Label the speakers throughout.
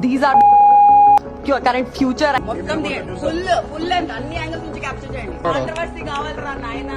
Speaker 1: These are current future మొత్తం full length అన్ని angles నుంచి క్యాప్చర్ చేయండి. కాంట్రవర్సీ కావాలరా నాయనా.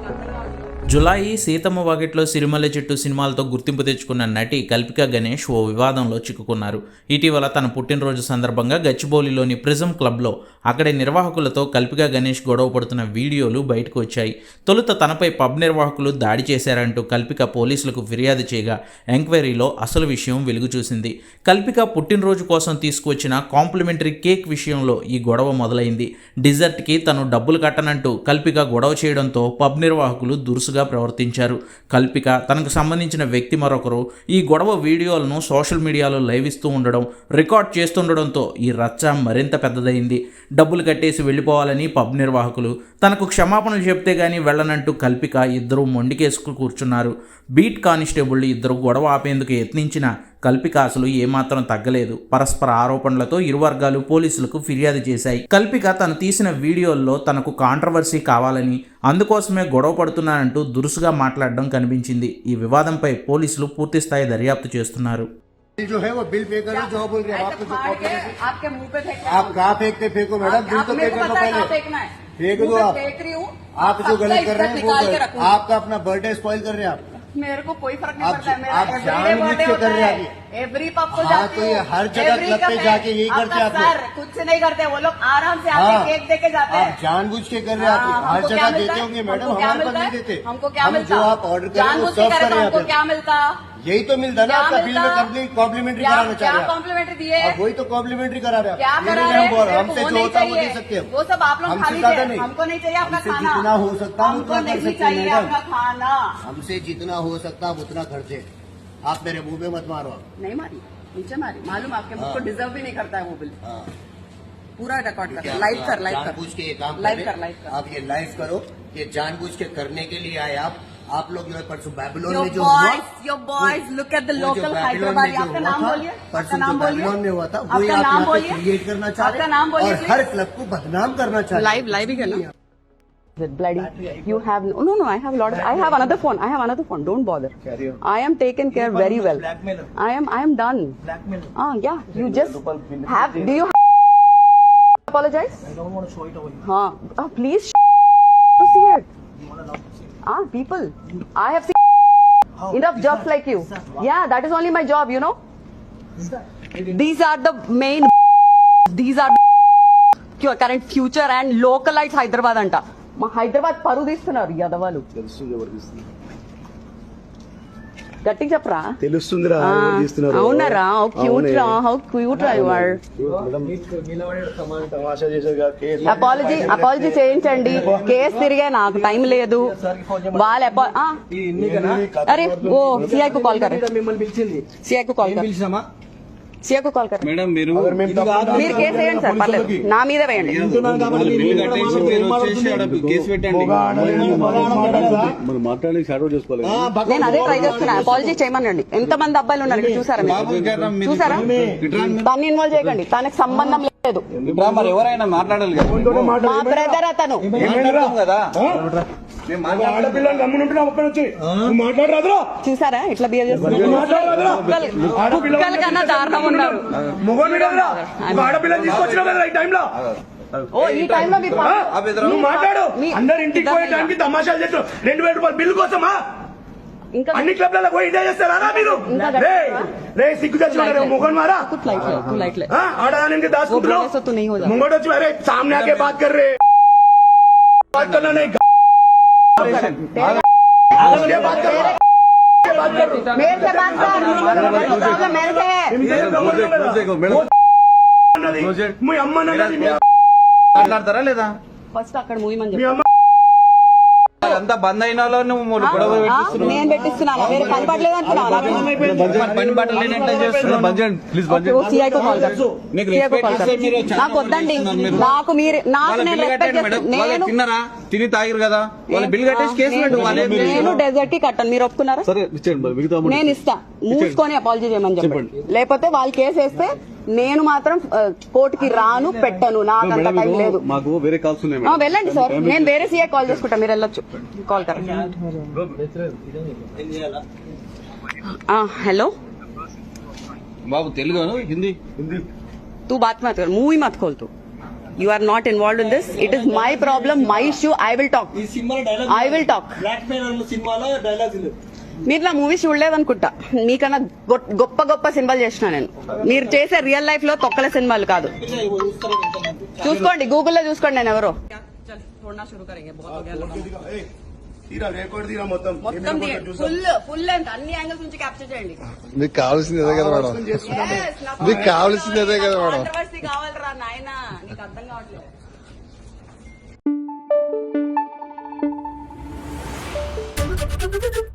Speaker 2: జులాయి, సీతమ్మ వాకిట్లో సిరిమల్లె చెట్టు సినిమాలతో గుర్తింపు తెచ్చుకున్న నటి కల్పికా గణేష్ ఓ వివాదంలో చిక్కుకున్నారు. ఇటీవల తన పుట్టినరోజు సందర్భంగా గచ్చిబౌలిలోని ప్రిజం క్లబ్లో అక్కడి నిర్వాహకులతో కల్పికా గణేష్ గొడవ పడుతున్న వీడియోలు బయటకు వచ్చాయి. తొలుత తనపై పబ్ నిర్వాహకులు దాడి చేశారంటూ కల్పిక పోలీసులకు ఫిర్యాదు చేయగా ఎంక్వైరీలో అసలు విషయం వెలుగు చూసింది. కల్పిక పుట్టినరోజు కోసం తీసుకువచ్చిన కాంప్లిమెంటరీ కేక్ విషయంలో ఈ గొడవ మొదలైంది. డిజర్ట్కి తను డబ్బులు కట్టనంటూ కల్పిక గొడవ చేయడంతో పబ్ నిర్వాహకులు దురుసుగా ప్రవర్తించారు. కల్పిక, తనకు సంబంధించిన వ్యక్తి మరొకరు ఈ గొడవ వీడియోలను సోషల్ మీడియాలో లైవ్ ఇస్తూ ఉండడం, రికార్డ్ చేస్తుండడంతో ఈ రచ్చ మరింత పెద్దదైంది. డబ్బులు కట్టేసి వెళ్ళిపోవాలని పబ్ నిర్వాహకులు, తనకు క్షమాపణలు చెప్తే గానీ వెళ్ళనంటూ కల్పిక ఇద్దరు మొండికేసుకు కూర్చున్నారు. బీట్ కానిస్టేబుళ్లు ఇద్దరు గొడవ ఆపేందుకు యత్నించిన కల్పిక అసలు ఏమాత్రం తగ్గలేదు. పరస్పర ఆరోపణలతో ఇరు వర్గాలు పోలీసులకు ఫిర్యాదు చేశాయి. కల్పిక తను తీసిన వీడియోల్లో తనకు కాంట్రవర్సీ కావాలని, అందుకోసమే గొడవ పడుతున్నానంటూ దురుసుగా మాట్లాడడం కనిపించింది. ఈ వివాదంపై పోలీసులు పూర్తిస్థాయి దర్యాప్తు చేస్తున్నారు.
Speaker 3: जो है वो बिल पे करो, जो बोल रहे हैं आपके मुंह पे आप कहाँ फेंकते फेंको मैडम, बिल तो पे कर दो पहले, फेंक दो आप जो गलत कर रहे हैं वो आपका अपना बर्थडे स्पॉइल कर रहे हैं आप।
Speaker 1: मेरे को कोई फर्क नहीं पड़ता है, मेरा
Speaker 3: जानबूझ के कर रहे हैं
Speaker 1: एवरी पब को
Speaker 3: जाते हैं, हर जगह क्लब पे जाके यही करते हैं आप लोग।
Speaker 1: खुद से नहीं करते वो लोग, आराम से आके केक दे के जाते हैं।
Speaker 3: आप जानबूझ के कर रहे हैं, आप हर जगह देते होंगे मैडम, हमारे पास नहीं देते।
Speaker 1: हमको क्या मिलता?
Speaker 3: जो आप ऑर्डर करें वो सर्व करें,
Speaker 1: हमको क्या मिलता?
Speaker 3: यही तो मिलता ना आपका बिल में, कंपनी कॉम्प्लीमेंट्री कराना चाह रहे हैं।
Speaker 1: कॉम्प्लीमेंट्री दिए,
Speaker 3: वही तो कॉम्प्लीमेंट्री करा रहे हैं।
Speaker 1: क्या करा रहे हैं?
Speaker 3: हमसे जो होता है वो दे सकते हैं,
Speaker 1: वो सब आप लोग खा लीजिए, हमको नहीं चाहिए आपका खाना।
Speaker 3: जितना हो सकता है
Speaker 1: हमको
Speaker 3: उतना कर
Speaker 1: नहीं
Speaker 3: सकते
Speaker 1: चाहिए
Speaker 3: हैं
Speaker 1: आपका खाना।
Speaker 3: हमसे जितना हो सकता है उतना खर्चे, आप मेरे मुंह पे मत मारो।
Speaker 1: नहीं मारी, नीचे मारी, मालूम आपके मुझको डिजर्व भी नहीं करता है वो बिल। पूरा रिकॉर्ड कर, लाइव कर,
Speaker 3: जानबूझ के ये काम
Speaker 1: लाइव कर,
Speaker 3: आप ये लाइव करो, ये जानबूझ के करने के लिए आए आप लोग जो है परसों बैबलोन में जो
Speaker 1: your boys look at the local Hyderabad। आपका नाम बोलिए,
Speaker 3: परसों जो बैबलोन में हुआ था वही आप यहाँ पे क्रिएट करना चाह रहे हैं और हर क्लब को बदनाम करना चाह रहे हैं।
Speaker 1: लाइव ही करना। Bloody, you have no. I have a lot. I have another phone. Don't bother. I am taken care very well. I am done. Yeah. You just have. Do you apologize?
Speaker 4: I don't want to show it away.
Speaker 1: Please to see it. People. I have seen enough jobs like you. Yeah, that is only my job. You know. These are the main. These are current future and localites Hyderabad anta. మా హైదరాబాద్ పరువు తీస్తున్నారు యాదవాలు. గట్టిగా చెప్పరా,
Speaker 5: తెలుస్తుందిరా.
Speaker 1: అవునరా, how cute రా you are. Apology చేయించండి. Case తిరిగే, నాకు టైం లేదు. వాళ్ళ అరే ఓ సిఐ కు కాల్ కరే, సిఐ కు కాల్ కరే, సిఐ కు కాల్ కరే.
Speaker 6: మేడం మీరు
Speaker 1: కేసు వేయండి సార్, పర్లేదు, నా మీద వేయండి. నేను అదే ట్రై చేస్తున్నా, అపాలజీ చేయమనండి. ఎంతమంది అబ్బాయిలు ఉన్నారు ఇక్కడ చూసారా? దాన్ని ఇన్వాల్వ్ చేయకండి, తనకు సంబంధం లేదు.
Speaker 6: మరి ఎవరైనా మాట్లాడాలి,
Speaker 1: మా బ్రదర్ అతను. చూసారా ఇట్లా బిహేవ్ చేస్తున్నారు? కుక్కల కన్నా దారుణం ఉన్నారు. ఓ ఈ టైంలో
Speaker 5: మాట్లాడు, అందరు ఇంటికి పోయే టైంకి తమాషాలు చేస్తారు. 2000 రూపాయలు బిల్లు కోసమా
Speaker 1: ఇంకా
Speaker 5: అన్ని క్లబ్లలో పోయి ఎంజాయ్ చేస్తారా మీరు? సిగ్గు తెచ్చుకున్నారు మొగన్ మారా. ఆడదానికి దాచుకుంటున్నావు, ముంగడు వచ్చి అరే సామ్నే ఆకే బాత్ కర్ రే, బాత్ करना नहीं,
Speaker 1: मेरे से बात कर, प्रॉब्लम मेरे से है.
Speaker 5: మీ అమ్మ
Speaker 6: మాట్లాడతారా లేదా?
Speaker 1: ఫస్ట్ అక్కడ మూవీ మని చెప్పి
Speaker 6: అంతా బంద్ అయిన
Speaker 1: నేను పెట్టిస్తున్నాను. వేరే పని పడలేదు నాకు వద్దండి. నాకు మీరు
Speaker 6: తిన్నారా, తిని తాగిరు కదా, వాళ్ళు బిల్ కట్టేసి కేసు పెట్టు.
Speaker 1: నేను డెజర్ట్ కి కట్టాను, మీరు ఒప్పుకున్నారా? నేను ఇస్తా, మూసుకొని అపాలజీ చేయమని చెప్పండి. లేకపోతే వాళ్ళు కేసు వేస్తే నేను మాత్రం కోర్టుకి రాను, పెట్టను. నాకు అంత టైం లేదు.
Speaker 5: మాకు వేరే కాల్స్ ఉన్నాయి.
Speaker 1: వెళ్ళండి సార్, నేను వేరే సీఏ కాల్ చేసుకుంటా, మీరు వెళ్ళొచ్చు. కాల్ కర. హలో
Speaker 6: బాబు తెలుగు హిందీ
Speaker 3: हिंदी
Speaker 1: तू बात मत कर, मुंह ही मत खोल तू. You are not involved in this. It is my problem, my issue. I will talk.
Speaker 4: ఈ సినిమాలో dialogue
Speaker 1: I will talk.
Speaker 4: Blackmail సినిమాలో డైలాగ్స్ లేవు.
Speaker 1: మీరు నా మూవీ చూడలేదనుకుంటా. మీకన్నా గొప్ప గొప్ప సినిమాలు చేసిన నేను. మీరు చేసే రియల్ లైఫ్ లో తొక్కల సినిమాలు కాదు. చూసుకోండి, గూగుల్లో చూసుకోండి నేను ఎవరో.
Speaker 3: తీరా రికార్డ్ తీరా మొత్తం
Speaker 1: మొత్తం ఫుల్ లెంత్ అన్ని యాంగిల్స్ నుంచి క్యాప్చర్ చేయండి.
Speaker 7: మీకు కావాల్సింది అదే కదా మేడం,
Speaker 1: Yes, నాకు
Speaker 7: మీకు కావాల్సింది అదే కదా మేడం.
Speaker 1: controversy కావాలిరా నాయనా, నీకు అర్థం కావట్లేదు.